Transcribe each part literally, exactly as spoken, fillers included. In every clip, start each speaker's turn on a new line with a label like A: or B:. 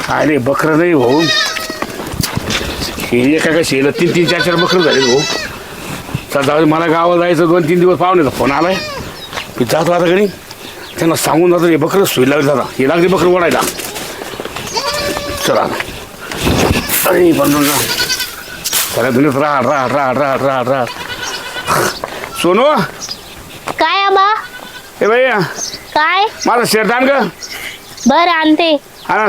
A: काय रे बकरं नाही भाऊ, हे एका का शेला तीन तीन चार चार बकरं झाले भाऊ. चल जाऊ, मला गावाला जायचं, दोन तीन दिवस पाहुण्याचा फोन आलाय, मी जातो आता घरी, त्यांना सांगून जातो हे बकरं सोयी लागली दादा, हे लागली बकरं ओढायला. चला अरे बनून जा सगळ्या दुनियेत राहत राहत राहत राहत राहत राहत सोनू.
B: काय आबा?
A: हे भैया
B: काय?
A: माझं शेर आण ग.
B: बर आणते.
A: आण.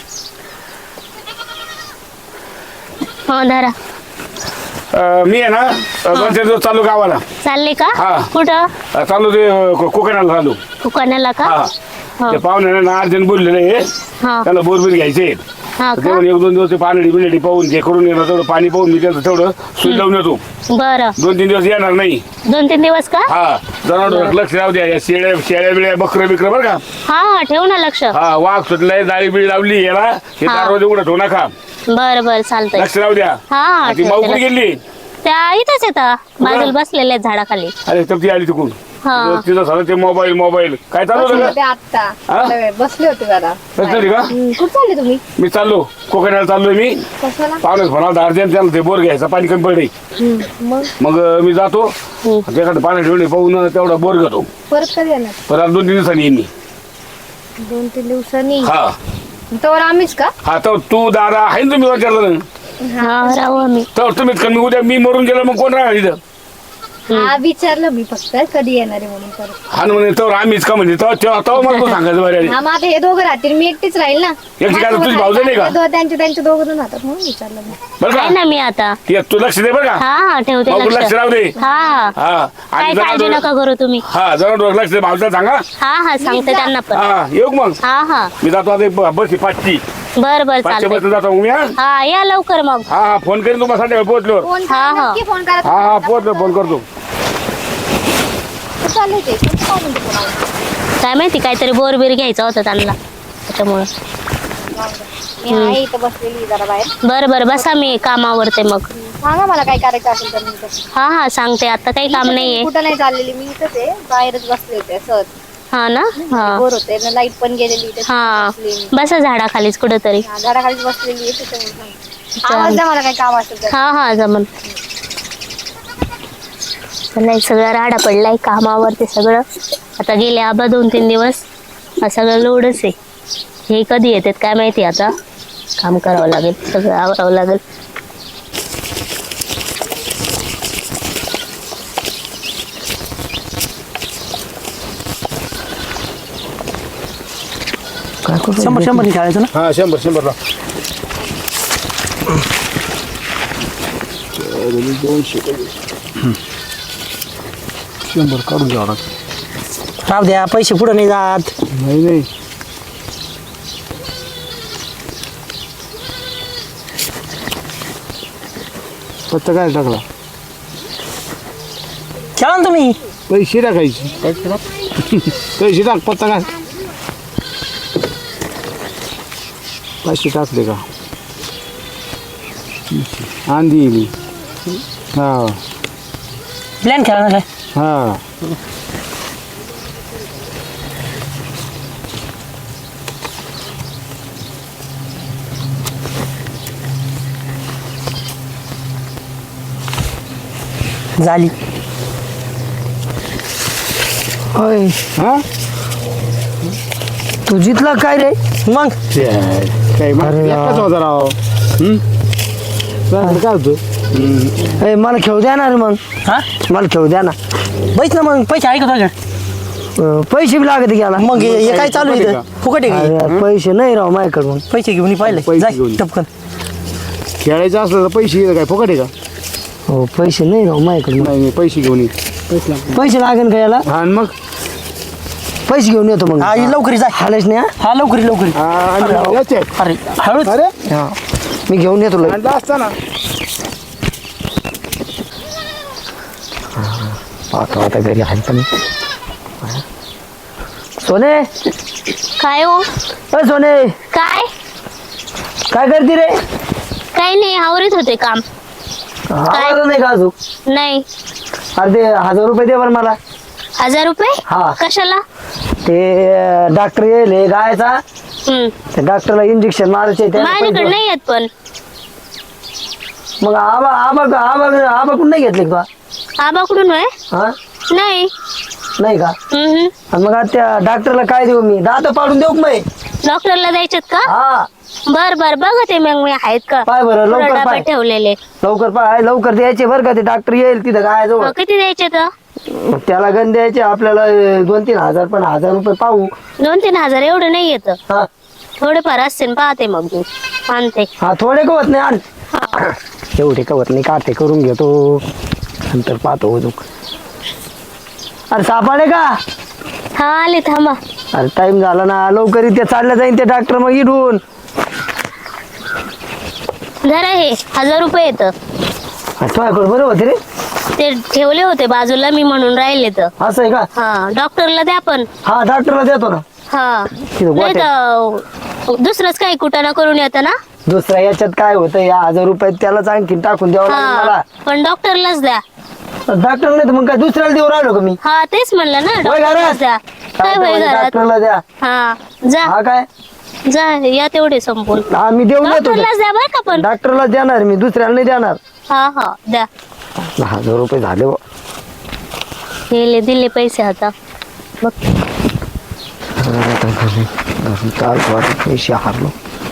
B: हो धरा.
A: मी आहे ना दोन चार दिवस चालू गावाला.
B: चालले का?
A: हा.
B: कुठं?
A: चालू ते कोकणाला चालू.
B: कोकणाला का?
A: हा ते पाहुणे ना अर्जंट बोललेले
B: हा
A: त्याला बोरबीर घ्यायचे.
B: हा का?
A: तेवढं एक दोन दिवस ते पाणी बिनडी पाहून जे करून येणार तेवढं पाणी पाहून मी त्याचं तेवढं सुई लावून येतो.
B: बरं.
A: दोन तीन दिवस येणार नाही.
B: दोन तीन दिवस का?
A: हा जनावर लक्ष राहू द्या, या शेळ्या शेळ्या बिळ्या बकरं बिकर बरं का.
B: हा हा ठेव ना लक्ष.
A: हा वाघ सुटलाय, जाळी बिळी लावली याला, हे
B: हा.
A: दरवाजे उघडत होऊ नका,
B: बर बर चालतंय.
A: लक्ष राहू द्या.
B: हा हा
A: ती माऊ कुठे गेली?
B: त्या इथंच येतात बाजूला बसलेल्या आहेत झाडाखाली.
A: अरे तर ती आली तिकून.
B: हा.
A: तिथं सगळं ते मोबाईल मोबाईल काय चालू होतं का?
C: आता
A: हा?
C: थोडा वेळ बसले होते जरा.
A: बसली का?
C: हम्म, कुठं चालले तुम्ही?
A: मी चाललो कोकणाला चाललोय मी.
C: कशाला?
A: पाहुण्याच म्हणाल अर्जंट त्याला ते बोर घ्यायचा, पाणी कमी पडले.
C: मग
A: मग अं, मी जातो त्याकडे पाणी ठेवणे पाहून तेवढा बोर घेतो.
C: परत कधी येणार?
A: परत दोन तीन दिवसांनी येईन मी.
C: दोन तीन दिवसांनी?
A: हा
C: तर आम्हीच का?
A: हा तर तू दादा आहे ना, तुम्ही विचारलं
B: हा राहू आम्ही.
A: तर तुम्हीच कमी उद्या मी मरून गेलो मग कोण राहणार इथं?
C: हा विचारलं मी फक्त कधी येणार आहे म्हणून. परत
A: हा ना म्हणे तर आम्हीच का म्हणजे तेव्हा तेव्हा तेव्हा मला तू सांगायचं बरं.
C: हा मग आता हे दोघं राहतील, मी एकटीच राहील ना.
A: एकटी काय, तुझी भाऊजं नाही का?
C: दो- त्यांचे त्यांचे दोघं जण राहतात म्हणून विचारलं मी.
A: बरं
B: आहे
A: का
B: ना मी आता.
A: ये, तू लक्ष दे बरं का.
B: हा हा ठेवते
A: भाऊ लक्ष
B: लक्ष.
A: राहू दे.
B: हा हा
A: हा
B: काय
A: आणि
B: काळजी
A: जरा
B: नका करू तुम्ही.
A: हा जरा लक्ष दे, भाऊला सांगा.
B: हा हा सांगते त्यांना पण.
A: हा येऊ मग.
B: हा हा
A: मी जातो आता एक बस पाचची
B: बर बर
A: पाचशे
B: चालतंय.
A: बस जातो मग मी. हा
B: हा या लवकर मग.
A: हा हा फोन करीन तुम्हाला संध्याकाळी पोहोचल्यावर.
C: फोन
B: हा,
C: करा,
B: हा.
C: नक्की फोन करा.
A: हा हा पोहोचलो फोन करतो.
C: कुठं चालले ते? कोणतं काम म्हणते तुम्हाला?
B: काय माहिती काहीतरी बोरबीर घ्यायचं होतं त्यांना त्याच्यामुळे.
C: मी आहे इथं बसलेली जरा बाहेर.
B: बर बर बसा, मी कामावरते मग.
C: सांगा मला काय करायचं असेल तर मी इथं.
B: हा हा सांगते, आता काही काम नाहीये.
C: कुठं नाही चाललेली मी, इथंच आहे, बाहेरच बसले होते सहज.
B: हा ना. हा
C: बोर होते ना, लाईट पण गेलेली इथे.
B: हा
C: बसली मी.
B: बसा झाडाखालीच कुठंतरी.
C: हा, झाडाखालीच बसलेली आहे त्याच्यामुळे सांगते. आवाज द्या मला काय काम असेल तर.
B: हा हा जमन. नाही सगळं राडा पडलाय कामावरती सगळं. आता गेले आबा दोन तीन दिवस, हा सगळं लोडच आहे. हे कधी येतात काय माहिती, आता काम करावं लागेल, सगळं आवरावं लागेल.
D: शंभर शंभर खेळायचं ना.
A: हा शंभर शंभरला दोनशे शंभर काढून घ्यावं लागतं.
D: राहू द्या, पैसे पुढे नाही जात.
A: नाही नाही पत्ता काय टाकला?
D: खेळा ना तुम्ही.
A: पैसे टाकायचे. पैसे टाक, पत्ता काय पैसे टाकले का? आंधी मी. हा
D: प्लॅन खेळा ना काय.
A: हा
D: झाली. होय
A: हा
D: तू जितला काय रे मग.
A: काय एकच होता राव. हम्म काय होतं?
D: ए, मला खेळू द्या ना रे मग. हा मला खेळू द्या ना. बैस ना मग. पैसे आहे का तुझ्या? अं, पैसे बी लागत गेला. मग हे हे काय चालू आहे फुकट आहे का? पैसे नाही राव माझ्याकडून. पैसे घेऊन पाहिले
A: पैसे घेऊन ये.
D: टपकन.
A: खेळायचं असलं तर पैसे काय फुकट आहे का?
D: हो पैसे नाही राव माझ्याकडून.
A: नाही नाही पैसे घेऊन ये.
D: पैसे लागेल का याला?
A: हा आणि मग
D: पैसे घेऊन येतो मग. हा लवकरी जा. हालेच नाही. हा लवकरी लवकरी.
A: हा, आणि याचे.
D: अरे हळूच.
A: अरे
D: हा मी घेऊन येतो लगेच.
A: आणला असता ना.
D: पाहतो आता घरी आहे पण. सोने
B: काय हो?
D: अ सोने
B: काय
D: काय करते रे?
B: काही नाही, आवरत होते काम.
D: आवाज नाही का अजून?
B: नाही.
D: अरे ते हजार रुपये दे बरं मला.
B: हजार रुपये?
D: हा.
B: कशाला?
D: ते डॉक्टर येईल गायचा
B: हम्म.
D: त्या डॉक्टरला इंजेक्शन मारायचे त्याला
B: माझ्याकडे
D: पैसे-
B: नाही येत पण
D: मग आबा आबा आबा आबा कुठं नाही घेतले का
B: आबाकडून होय
D: हा
B: नाही.
D: नाही का
B: हम्म.
D: आणि मग आता त्या डॉक्टरला काय देऊ मी दात पाडून देऊ का मी
B: डॉक्टरला द्यायचेत का?
D: हा
B: बर बर बघते मग मी आहेत का
D: पाय बरं
B: पुढं
D: लवकर
B: डबा
D: पाय
B: ठेवलेले.
D: लवकर पाय लवकर द्यायचे बरं का ते डॉक्टर येईल तिथं काय जवळ
B: मग किती द्यायचे तर?
D: त्याला गण द्यायचे आपल्याला अं, दोन तीन हजार पण हजार रुपये पाहू
B: दोन तीन हजार एवढं नाही येत.
D: हा
B: थोडेफार असतील पाहते मग मी आणते.
D: हा थोडे कवत नाही आण एवढे कवत नाही काटे करून घेतो नंतर पाहतो अजून अरे सापाडे का
B: हा आले थांबा.
D: अरे टाइम झाला ना लवकर इथे चालल्या जाईन ते डॉक्टर मग इडून
B: जरा हे हजार रुपये येत.
D: तुझ्याकडे बरं होते रे
B: ते ठेवले होते बाजूला मी म्हणून राहिले तर.
D: असं आहे का
B: हा डॉक्टरला द्या पण.
D: हा डॉक्टरला देतो ना
B: हा
D: तिथं
B: नाही तर दुसरंच काही कुटाणा करून येतं ना.
D: दुसऱ्या याच्यात काय होतं या हजार रुपये त्यालाच आणखीन टाकून द्यावं लागेल मला
B: हा पण डॉक्टरलाच द्या.
D: डॉक्टर नाही तर मग काय दुसऱ्याला देऊ राहिलो का मी
B: हा तेच म्हणलं ना
D: होय घरात?
B: डॉक्टरलाच द्या. काय होय घरात.
D: डॉक्टरला द्या
B: हा जा
D: हा काय
B: जा या तेवढे संपून.
D: हा मी देऊन देतो
B: डॉक्टरलाच द्या बरं का पण.
D: डॉक्टरला देणार मी दुसऱ्याला नाही देणार
B: हा हा द्या.
D: हजार रुपये झाले बुवा.
B: दिले दिले पैसे आता बघ.
D: काल वाटत पैसे हारलो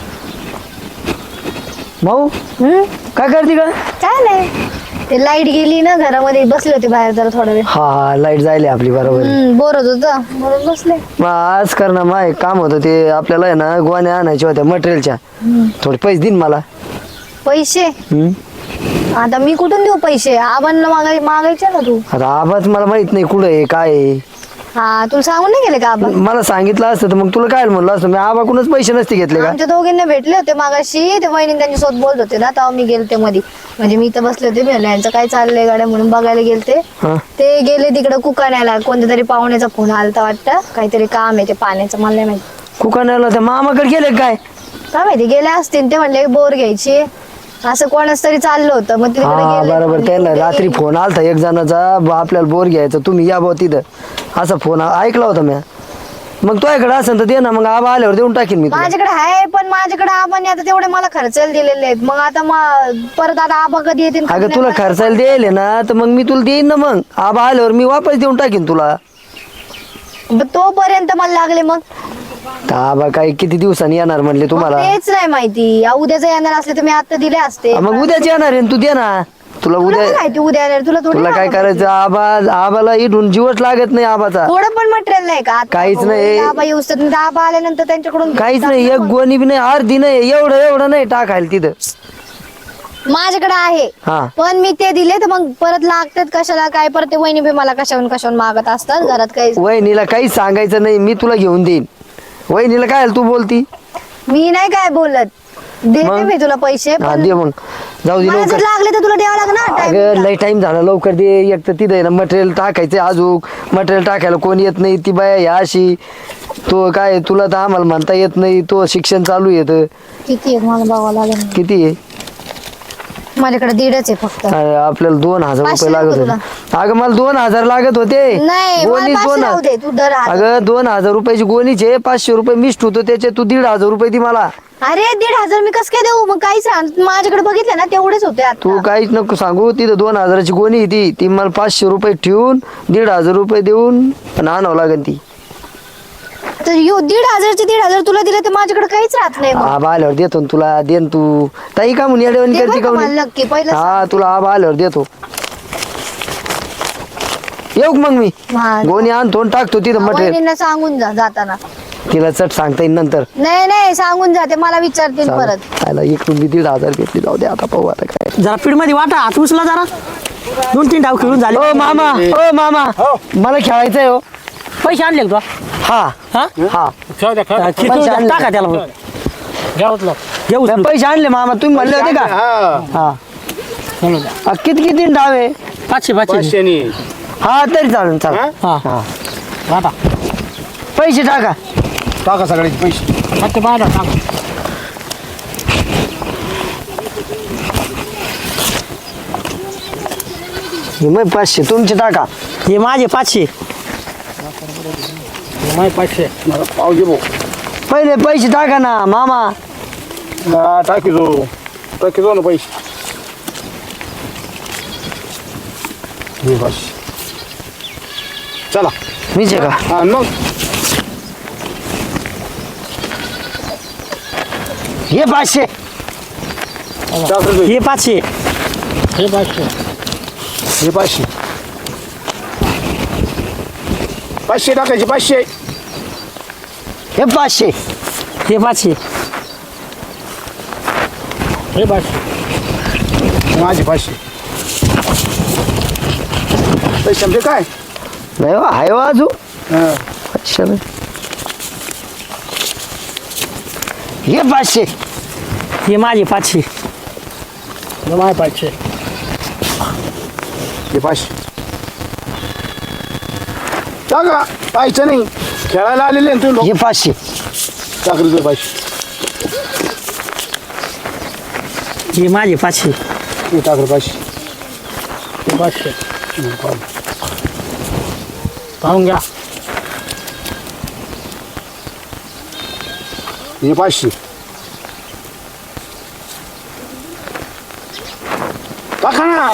D: भाऊ
C: हम्म
D: काय करते का
C: काय नाही ते लाईट गेली ना घरामध्ये बसले होते बाहेर जरा थोडा वेळ.
D: हा हा लाईट जायली आपली बरोबर
C: हम्म बोर होत होतं म्हणून बसले.
D: मग आज कर ना माय काम होतं ते आपल्याला आहे ना गोण्या आणायच्या होत्या मटेरियलच्या थोडे पैसे देईन मला
C: पैसे
D: हम्म?
C: आता मी कुठून देऊ पैसे आबांना मागाय मागायचे ना तू.
D: आता आवाज मला माहित नाही कुठं आहे काय आहे.
C: हा तुला सांगून नाही गेले का आबा.
D: मला सांगितलं असतं तर मग तुला काय म्हणलं असतं मी आबाकडूनच पैसे नसते घेतले का
C: आमच्या दोघींना भेटले होते मागाशी ते वहिनी त्यांच्या सोबत बोलत होते ना तेव्हा मी गेलते मध्ये म्हणजे मी इथं बसले होते म्हणलं यांचं काय चाललंय गाड्या म्हणून बघायला गेलते.
D: हा
C: ते गेले तिकडे कुकाण्याला कोणत्या तरी पाहुण्याचा फोन आलता वाटतं काहीतरी काम आहे ते पाण्याचं मला नाही माहिती.
D: कुकाण्याला त्या मामाकडे गेले काय
C: काय माहिती गेले असतील ते म्हणले बोर घ्यायची असं कोणाच तरी चाललं होतं मग तिकडे
D: हा
C: गेले.
D: बरोबर त्यांना रात्री फोन आलता एक जणाचा ब- आपल्याला बोर घ्यायचा तुम्ही या भाऊ तिथं असा फोन ऐकला होता मी मग तो इकडे असेल तर दे ना मग आबा आल्यावर देऊन टाकीन मी तुला.
C: माझ्याकडे आहे पण माझ्याकडे आबाने आता तेवढे मला खर्चायला दिलेले आहेत मग आता मा- परत आता आबा कधी येतील
D: अगं तुला खर्चायला द्यायले ना तर मग मी तुला देईन ना मग आबा आल्यावर मी वापस देऊन टाकीन तुला
C: तोपर्यंत मला लागले मग
D: तर आबा काय किती दिवसांनी येणार म्हणले
C: मग
D: तुम्हाला
C: तेच नाही माहिती आ, उद्याचं येणार असले तर मी आता दिले असते
D: मग उद्याच येणार आहे ना, तू दे ना तुला
C: तुला
D: उद्या
C: काय माहिती उद्या येणार तुला थोडी
D: तुला काय
C: आबा
D: करायचं आबा आबाला इथून जीवच लागत नाही आबाचा
C: थोडं पण मटेरियल नाही का आता
D: काहीच नाही.
C: आबा येऊस तर आबा आल्यानंतर त्यांच्याकडून
D: काहीच नाही एक गोणी बी नाही अर्धी नाही एवढं एवढं नाही टाकायला तिथं
C: माझ्याकडे आहे
D: हा
C: पण मी ते दिले तर मग परत लागतात कशाला काय परत ते वहिनी बी मला कशाहून कशाहून मागत असतात घरात काही
D: वहिनीला काहीच सांगायचं नाही मी तुला घेऊन देईन वहिनीला काय तू बोलती
C: मी नाही काय बोलत देते
D: मग?
C: मी तुला पैसे
D: हा
C: पण
D: दे मग जाऊ दे
C: मला जर
D: लवकर
C: लागले तर तुला द्यावं लागणार
D: अगं
C: टाइम
D: लय टाइम झाला लवकर दे एक तर तिथं ना मटेरियल टाकायचं अजून मटेरियल टाकायला कोणी येत नाही ती बाया ह्या अशी तो काय तुला तर आम्हाला म्हणता येत नाही तो शिक्षण चालू येतं
C: किती आहे मला बघावं लागेल
D: किती आहे
C: माझ्याकडे दीडच आहे फक्त
D: अरे, आपल्याला दोन हजार
C: पाचशे
D: रुपये लागत
C: नको
D: होते अगं मला दोन हजार लागत होते
C: नाही मला
D: गोणीच
C: पाचशे
D: दोन
C: राहू दे तू दर हजार.
D: अगं दोन हजार रुपयाची गोणीचे पाचशे रुपये मिस्ट होतो त्याचे तू दीड हजार रुपये दी मला
C: अरे दीड हजार मी कस काय देऊ मग काहीच राहणार माझ्याकडे बघितलं ना तेवढेच होते
D: तू
C: आता
D: काहीच नको सांगू तिथं दोन हजाराची गोणी आहे ती ती मला पाचशे रुपये ठेवून दीड हजार रुपये देऊन पण आणावं लागेल ती
C: तर यो दीड हजारचे दीड हजार तुला दिले तर माझ्याकडे काहीच राहत नाही मग.
D: आबा आल्यावर देतो ना तुला देन तू ताई का म्हणून येडवण
C: दे
D: करते
C: बरं
D: का
C: का मला
D: म्हणे?
C: नक्की पहिलं
D: हा तुला आबा आल्यावर देतो येऊ का मग मी
C: हा.
D: गोणी आणतो आणि टाकतो तिथं मटेरियल
C: वहिनींना सांगून जा जाताना
D: तिला चट सांगता येईल नंतर
C: नाही नाही सांगून जाते मला विचारतील परत
D: आला इकडून मी दीड हजार घेतली जाऊ दे आता पाहू आता काय
E: जरा पीठ मध्ये वाटा हात उचला जरा दोन तीन डाव खेळून झाले
D: ओ मामा ओ मामा मला खेळायचंय हो
E: पैसे आणले का
D: हा
E: हा
D: हा
A: ठेव द्या, खा.
E: खिचून
D: पैसे आणले.
E: टाका त्याला मग.
A: घ्या उचला.
E: घेऊ
D: मी पैसे आणले मामा तुम्ही म्हणले होते का
A: हा.
D: हा
E: चलो द्या.
D: आ, किती किती डाव आहे
E: पाचशे पाचशे
A: पाचशेनी.
D: हा तरी चालेल चालेल
A: हा?
E: हा
D: हा
E: वाटा
D: पैसे टाका
A: टाका सगळ्याचे पैसे
E: फक्त बारा टाका
D: हे मग पाचशे तुमचे टाका
E: हे माझे पाचशे
A: माय पाचशे मला पाव घे भाऊ
D: पहिले पैसे टाका ना मामा.
A: हा टाकी जो टाकी जो ना पैसे हे बस चला.
D: मीच आहे का?
A: हा मग
D: हे पाचशे.
A: डॉक्टर
E: हे पाचशे.
A: हे पाचशे हे पाचशे पाचशे टाकायचे पाचशे.
D: हे पाचशे.
E: हे पाचशे.
A: हे पाचशे माझे पाचशे पैसे आमचे काय
D: नाही हो, आहे हो अजून.
A: हा.
D: पाचशे नाही. हे पाचशे.
E: हे माझे पाचशे.
A: माझे पाचशे हे पाचशे टाका. पाहायचं नाही खेळायला आलेले ना तुम्ही
D: हे पाचशे.
A: टाकले पाचशे
E: हे माझे पाचशे.
A: हे टाकलं पाचशे हे पाचशे पाहून घ्या. हे पाचशे टाका ना.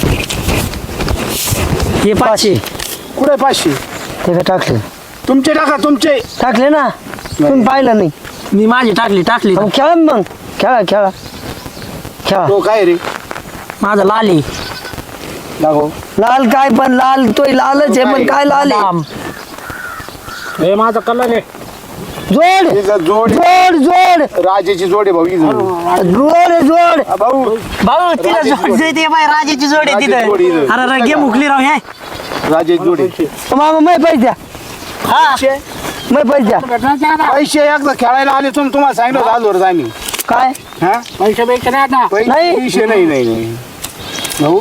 E: हे पाचशे.
A: कुठे पाचशे
D: ते काय टाकले?
A: तुमचे टाका तुमचे.
D: टाकले ना तुम्ही पाहिलं नाही.
E: मी माझे टाकले टाकले
D: मग खेळा मग खेळा खेळा खेळा.
A: तो काय रे
E: माझा लाल आहे.
A: दाखव.
D: लाल काय पण लाल तोय लालच आहे पण काय लाल आहे.
E: बदाम.
A: हे माझा कलर आहे.
D: जोड
A: जोड
D: जोड जोड
A: राजाची जोड आहे भाऊ ही जोड.
D: जोड आहे, जोड.
A: हा, भाऊ
E: भाऊ तिला
A: राजेची
E: जोड
A: जोड.
E: देते बाय राजाची जोड आहे
A: राजेची जोड
E: तिथं.
A: इथं.
E: अरे अरे गेम उकली राव हे.
A: राजाची जोड आहे.
D: मामा मै पैसे द्या.
E: हा
A: पैसे
D: मै पैसे द्या.
A: पैसे एकदा खेळायला आले तुम्ही तुम्हाला सांगितलं होतं आजवर आम्ही.
D: काय
A: हा पैसे पैसे नाही आता.
D: नाही.
A: पैसे नाही नाही नाही भाऊ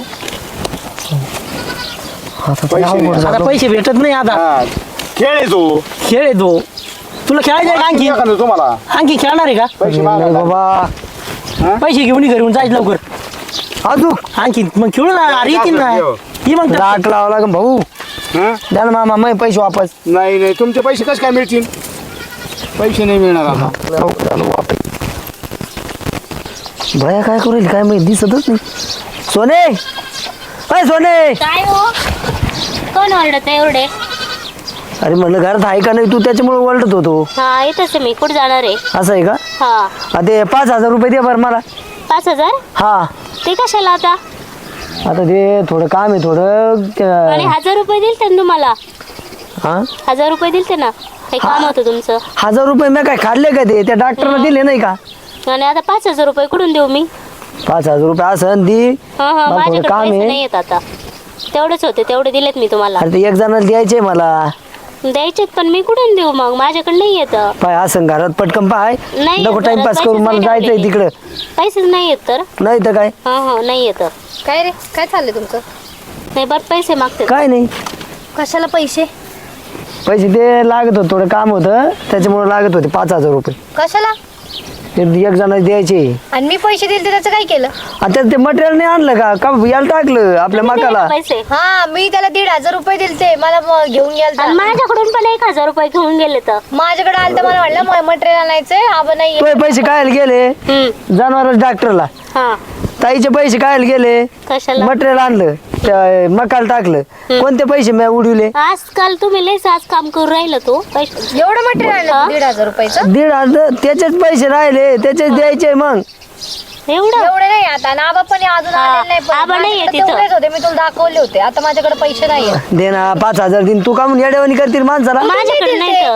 D: आता
A: पैसे
D: अवघड
A: नाही.
D: झालं.
E: आता पैसे भेटत नाही आता.
A: हा खेळ आहे तो.
E: खेळ आहे तो. तुला खेळायचं आहे का आणखी
A: एखादं तुम्हाला
E: आणखी खेळणार आहे का?
A: पैसे
D: नाही
A: मागायला.
D: बाबा
E: पैसे घेऊन ये घरी येऊन जायचं लवकर.
D: अजून
E: आणखी मग खेळू ना. अरे येतील ना. ये मग तर.
D: राट लावा लागेल भाऊ.
A: हा?
D: द्या ना मामा मै पैसे वापस.
A: नाही नाही तुमचे पैसे कसे काय मिळतील. पैसे नाही मिळणार आता.
D: भया काय करेल काय माहिती दिसतच नाही. सोने अय सोने.
B: काय हो कोण ओरडत आहे एवढे?
D: अरे म्हणलं घरात आहे का नाही तू त्याच्यामुळे ओरडत होतो.
B: हा येतच आहे मी. कुठे जाणार आहे?
D: असं आहे का?
B: हा
D: हा, ते पाच हजार रुपये दे बरं मला.
B: पाच हजार
D: हा
B: ते कशाला आता?
D: आता ते थोडं काम आहे थोडं
B: आणि
D: त्या-
B: हजार रुपये दिलते ना तुम्हाला?
D: हा
B: हजार रुपये दिलते ना. हे काम होतं तुमचं.
D: हजार रुपये मी काय खाल्ले का ते त्या डॉक्टरला दिले नाही का?
B: आणि आता पाच हजार रुपये कुठून देऊ मी?
D: पाच हजार रुपये असं दी.
B: हा हा
D: मला थोडं
B: माझ्याकडे
D: काम
B: पैसे
D: आहे.
B: नाही येत आता. तेवढेच होते तेवढे दिलेत मी तुम्हाला.
D: अरे ते एक जणाला द्यायचे मला.
B: द्यायचेत पण मी कुठून देऊ मग? माझ्याकडे नाही येत.
D: पाय असं घरात पटकन पाय
B: नाही
D: नको
B: येत
D: टाइमपास
B: घरात,
D: करून
B: पैसेच
D: मला
B: नाही
D: जायचंय
B: ठेवलेले.
D: तिकडं.
B: पैसेच नाही येत तर.
D: नाही तर काय
B: हा हा नाही येत.
C: काय रे काय चाललंय तुमचं?
B: नाही बरं पैसे मागते.
D: काय नाही.
C: कशाला पैसे?
D: पैसे ते लागत होतं थोडं काम होतं त्याच्यामुळे लागत होते पाच हजार रुपये.
C: कशाला?
D: ते एक जणाला द्यायचे.
C: आणि मी पैसे दिले त्याचं काय केलं?
D: आता ते मटेरियल नाही आणलं का का याला टाकलं आपल्या मकाला.
B: पैसे
C: हा मी त्याला दीड हजार रुपये दिलते मला म- घेऊन गेल
B: आणि माझ्याकडून पण एक हजार रुपये घेऊन गेले तर.
C: माझ्याकडे आलं तर मला म्हटलं मटेरियल आणायचंय आपण नाही
D: तो पैसे काय गेले
B: हम्म
D: जनावर डॉक्टरला.
B: हा
D: ताईचे पैसे काय गेले
B: कशाला?
D: मटेरियल आणलं त्या मकाला टाकलं. कोणते पैसे मी उडवले?
B: आजकाल तुम्ही लयच आज काम करू राहिलं तो पैसे.
C: एवढं मटेरियल
B: हा?
C: आणलं दीड हजार रुपयाचं?
D: दीड हजार त्याचेच पैसे राहिले त्याचेच द्यायचे मग.
B: एवढं
C: एवढे नाही आता ना आबा पण अजून
B: हा,
C: आलेले नाही पण
B: आबा नाहीये
C: माझ्याकडे
B: तिथं.
C: तेवढेच होते मी तुला दाखवले होते आता माझ्याकडे पैसे नाहीये.
D: दे ना पाच हजार दिन तू का म्हणून येड्यावानी करतील माणसाला.
B: माझ्याकडे नाही तर.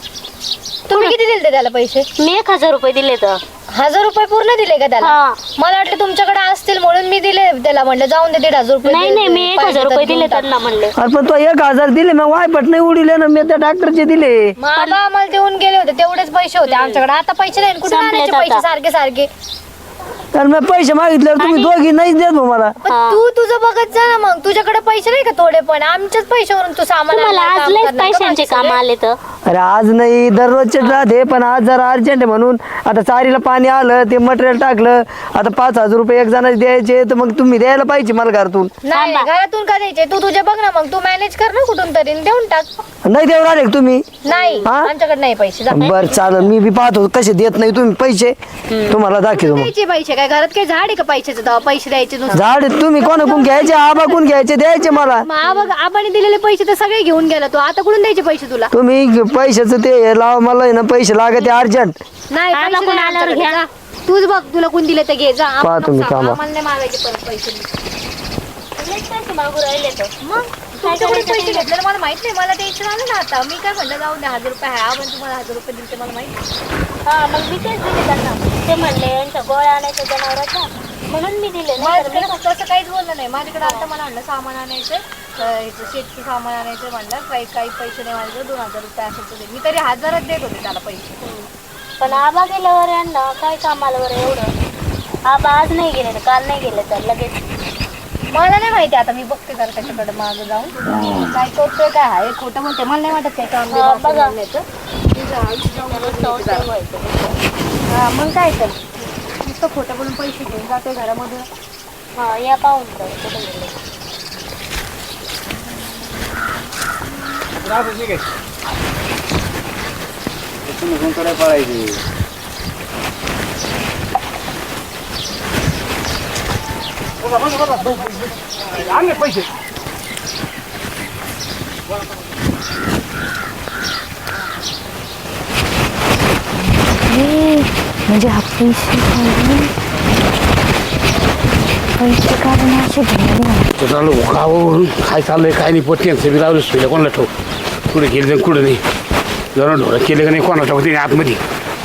C: तुम्ही किती दिलते त्याला पैसे?
B: मी एक हजार रुपये दिले तर.
C: हजार रुपये पूर्ण दिले का त्याला?
B: हा.
C: मला वाटलं तुमच्याकडे असतील म्हणून मी दिले त्याला म्हणलं जाऊन दे दीड हजार रुपये
B: नाही
C: दे-
B: नाही मी एक
C: पाहिजे
B: हजार
C: तर
B: रुपये
C: घेऊन
B: दिले
C: टाक.
B: त्यांना म्हणले.
D: अरे पण तो एक हजार दिले मग वायपट नाही उडले ना मी त्या डॉक्टरचे दिले.
C: मग आबा आम्हाला देऊन गेले होते तेवढेच पैसे होते आमच्याकडे आता पैसे नाही कुठे
B: संपलेत
C: आणायचे पैसे
B: आता.
C: सारखे सारखे?
D: तर मी पैसे मागितल्यावर तुम्ही
B: आणि-
D: दोघी नाहीच देत भाऊ मला.
C: पण
B: हा.
C: तू तुझं बघत जा ना मग तुझ्याकडे पैसे नाही का थोडे पण आमच्याच पैशावरून तू सामान
B: तुम्हाला
C: आणायला
B: आज
C: काम
B: लयच
C: करणार का
B: पैशांचे
C: बाकी
B: काम
C: सगळे?
B: आले तर.
D: अरे आज नाही दररोजचे राहते पण आज जरा अर्जंट आहे म्हणून आता चारीला पाणी आलं ते मटेरियल टाकलं आता पाच हजार रुपये एक जणाचे द्यायचे तर मग तुम्ही द्यायला पाहिजे मला घरातून.
C: नाही घरातून का द्यायचे तू तुझे बघ ना मग तू मॅनेज कर ना कुठून तरी देऊन टाक.
D: नाही देऊ राहिले का तुम्ही?
C: नाही
D: हा?
C: आमच्याकडे नाही पैसे जा.
D: बर चालेल मी बी पाहतो कसे देत नाही तुम्ही पैसे तुम्हाला दाखवतो मग.
C: द्यायचे पैसे काय घरात काही झाड आहे का पैशाचं तेव्हा पैसे द्यायचे नुसतं.
D: झाड तुम्ही कोणाकडून घ्यायचे आबा कोण घ्यायचे द्यायचे मला.
C: मग आबा आबाने दिलेले पैसे तर सगळे घेऊन गेला तू आता कुठून द्यायचे पैसे तुला.
D: तुम्ही पैशाचं ते लावा मला आहे ना पैसे लागते अर्जंट.
C: नाही
B: आबा
C: पैसे
B: कोण
C: नाही
B: आल्यावर
C: आमच्याकडे.
B: घ्या.
C: जा. तूच बघ तुला कोण दिले ते घे जा.
D: पहा
C: आम्हाला
D: तुम्ही
C: नको
D: कामा.
C: सांगू. आम्हाला नाही मागायचे परत पैसे.
B: लयच पैसे मागू राहिले तर
C: मग तुमच्याकडे पैसे घेतले मला माहित नाही मला टेन्शन आलं ना आता मी काय म्हणलं जाऊ दे हजार रुपये आहे आपण तुम्हाला हजार रुपये दिले ते मला माहिती.
B: हा मग मी तेच दिले त्यांना. ते म्हणले यांच्या गोळ्या आणायच्या जनावराच्या म्हणून मी दिले.
C: माझ्याकडे फक्त असं काहीच बोललं नाही माझ्याकडे आता मला म्हणलं सामान आणायचं ह्याचं शेतचं सामान आणायचं म्हणलं काही काही पैसे नाही माझ्याकडे दोन हजार रुपये असेल तर दे. मी तरी हजारच देत होते त्याला पैसे.
B: पण आबा गेल्यावर यांना काय कामाला बरं एवढं. आबा आज नाही गेले काल नाही गेले तर लगेच.
C: मला नाही माहिती आता मी बघते जरा त्याच्याकडे मागं जाऊन काय करतोय काय आहे खोटं म्हणते मला नाही वाटत काय काम
B: हा, बघा.
C: हा मग काय तर नुसतं खोटं बोलून पैसे घेऊन जातोय घरामधून.
B: हा या पाहून तर कुठे गेले.
A: आणले पैसे.
C: म्हणजे हा पैसे पैसे काढून असे
A: तर चालू गावावरून काय चाललंय काय नाही पोट्यांचं बी लावलं सोयला कोणाला ठेव कुठे गेले कुठे नाही जरा ढोळं केले का नाही कोणाला ठेवते नाही आतमध्ये.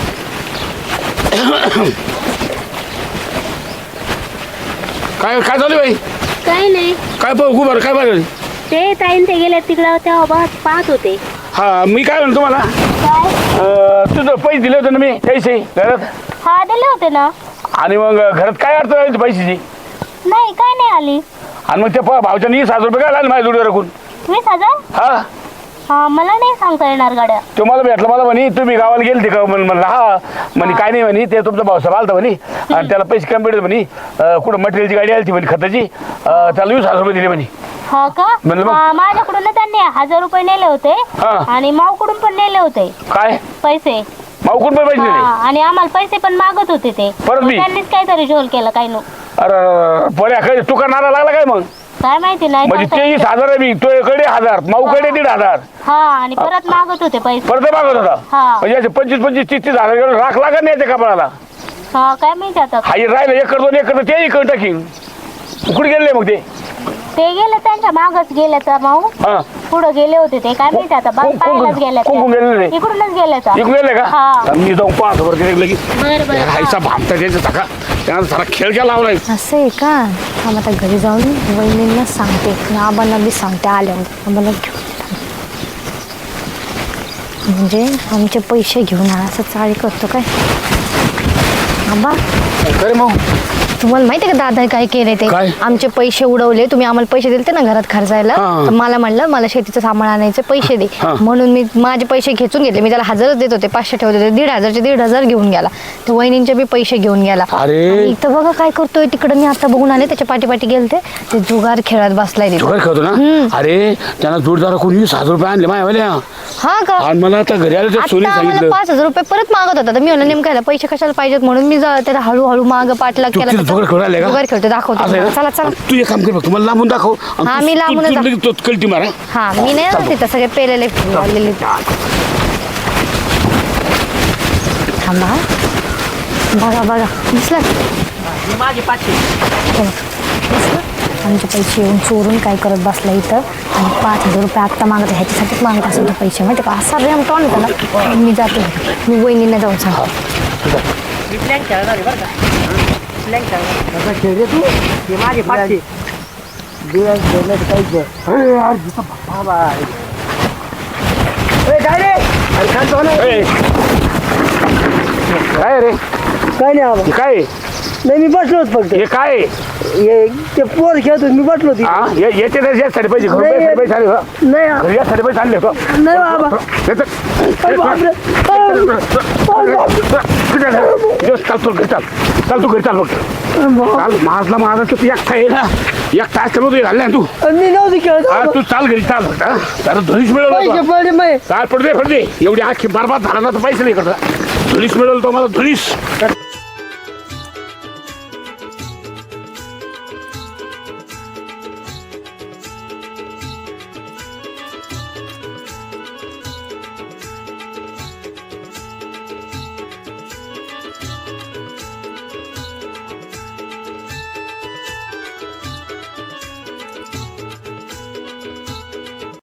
A: काय काय चालू बाई
B: काही नाही
A: काय बघू बरं काय बरं.
B: ते ताईन ते गेले तिकडं तेव्हा बघ पाहत होते.
A: हा मी काय म्हणतो तुम्हाला
B: काय
A: अं, तुझं पैसे दिले होते ना मी पैसे घरात
B: हा दिले होते ना.
A: आणि मग घरात काय अडचण आली पैशाची
B: नाही काय नाही आली.
A: आणि मग ते प- भावच्या वीस हजार रुपये काय लागले माझ्या जोडीवर राखून.
B: वीस हजार
A: हा
B: हा मला नाही सांगता येणार गाड्या.
A: तो मला भेटला मला म्हणे तुम्ही गावाला गेलते का म्हण म्हणलं हा म्हणे काय नाही म्हणे ते तुमचा भाऊसाहेब आलता म्हणे आणि त्याला पैसे कमी भेटत म्हणे अं, कुठं मटेरियलची गाडी आली म्हणे खताची अं, त्याला वीस हजार रुपये दिले म्हणे.
B: हा का
A: म्हणलं मग?
B: हा, माझ्याकडून त्यांनी हजार रुपये नेले होते
A: हा.
B: आणि मावकडून पण नेले होते
A: काय
B: पैसे.
A: माऊकून पण पैसे
B: हा,
A: दिले.
B: आणि आम्हाला पैसे पण मागत होते ते
A: परत
B: मग
A: मी?
B: त्यांनीच काहीतरी झोल केला काही नो
A: अरे बऱ्या काय तुका नारा लागला काय मग
B: काय माहिती नाही
A: म्हणजे
B: सांगता
A: तेवीस
B: येत.
A: हजार आहे मी तुझ्याकडे हजार माऊकडे दीड हजार
B: हा आणि परत मागत होते पैसे.
A: परत मागत होता
B: हा.
A: म्हणजे असे पंचवीस पंचवीस तीस तीस हजार एवढं राख लागत नाही त्या कपडाला.
B: हा काय माहिती आता.
A: हाई राहिलं एकर दोन एकर तर तेही करून टाकीन. कुठे गेले मग ते
B: ते गेले त्यांच्या मागच गेले तर माऊ
A: हा
B: पुढे गेले होते ते काय माहिती आता बाग
A: कोण-
B: पाहायलाच
A: कोण-
B: गेले
A: कोण- कोण गेलेले?
B: इकडूनच गेले तर.
A: इकडे गेले का
B: हा.
A: मी जाऊन पाहतो बरं तिथे लगेच
B: बरं बरं
A: हायचा भामटा द्यायचा टाका त्यानं सारा खेळ केला लावलाय.
C: असं आहे का थांब आता घरी जाऊन वहिनींना सांगते आणि आबांना बी सांगते आल्यावर आम्हाला घेऊन म्हणजे आमचे पैसे घेऊन आणा असं चाळी करतो काय. आबा
A: खरे मग
C: तुम्हाला माहिती आहे का दादा काय केले ते
A: काय?
C: आमचे पैसे उडवले तुम्ही आम्हाला पैसे दिले ना घरात खर्चायला
A: हा.
C: तर मला म्हणलं मला शेतीचं सामान आणायचे पैसे दे
A: हा.
C: म्हणून मी माझे पैसे खेचून घेतले मी त्याला हजारच देत होते पाचशे ठेवत होते दीड हजारचे दीड हजार घेऊन गेला तर वहिनींचे बी पैसे घेऊन गेला.
A: अरे.
C: आणि इथं बघा काय करतोय तिकडे मी आता बघून आले त्याच्या पाठी पाठी गेलते ते जुगार खेळत बसलाय तिथं.
A: जुगार खेळतो ना अरे त्यांना जोडदार कोणी वीस हजार रुपये आणले माझ्या
C: हा का
A: आणि मला आता घरी आलं तर सोनी
C: आता आम्हाला
A: सांगितलं
C: पाच हजार रुपये परत मागत होता तर मी म्हणलं नेमकं ह्याला पैसे कशाला पाहिजेत म्हणून मी जा- त्याला हळूहळू माग पाठलाग
A: तू
C: केला
A: तिथं जुगार खेळून आले का?
C: जुगार खेळतो दाखवतो
A: असं आहे ना?
C: चला चला
A: तू एक काम कर बघ तुम्हाला लांबून दाखव आणि
C: हा,
A: तू-
C: मी
A: तू-
C: लांबूनच
A: तू
C: दाख-
A: लगेच तो कल्टी मारा.
C: हा मी नाही ना तिथं सगळे पेलेले लावलेले थांबा बघा बघा दिसलं
E: माझे पाचशे
C: दिसलं आमचे पैसे येऊन चोरून काय करत बसला इथं आणि पाच हजार रुपये आत्ता मागत ह्याच्यासाठीच मागत असेल ते पैसे माहिती का असा रेम टॉन होता ना मी जाते मी वहिनींना जाऊन सांगतो
E: मी प्लॅन खेळणार आहे बरं का प्लॅन खेळणार
D: खेळ रे तू
E: हे माझे पाचशे
D: दिवस खेळण्याचं काहीच काय रे अरे खातो ना
A: ए, काय रे
D: काय नाही आबा
A: हे काय
D: नाही मी बसलो होतो फक्त
A: हे काय आहे?
D: हे ते पोर खेळत होते, मी बसलो होती
A: हा? हे- याचे तर यासाठी पैसे घरून
D: नाही,
A: यासाठी पैसे आले का?
D: नाही
A: घरी यासाठी पैसे आणले का?
D: नाही बाबा
A: याचं-
D: अरे बापरे.
A: चाल तू घरी चाल चाल तू घरी चाल फक्त चाल माझला माझा तू एकटा आहे ना एकटा असल्यामुळे तू घालला तू
D: मी नव्हती खेळत
A: हा तू चाल घरी चाल फक्त त्याला धुलीस
D: पैसे
A: मिळवलं
D: पडले मै
A: चाल पडते पडते एवढी आखी बरबाद झाला ना तर पैसे नाही करता धुलीस मिळवलं तो मला धुलीस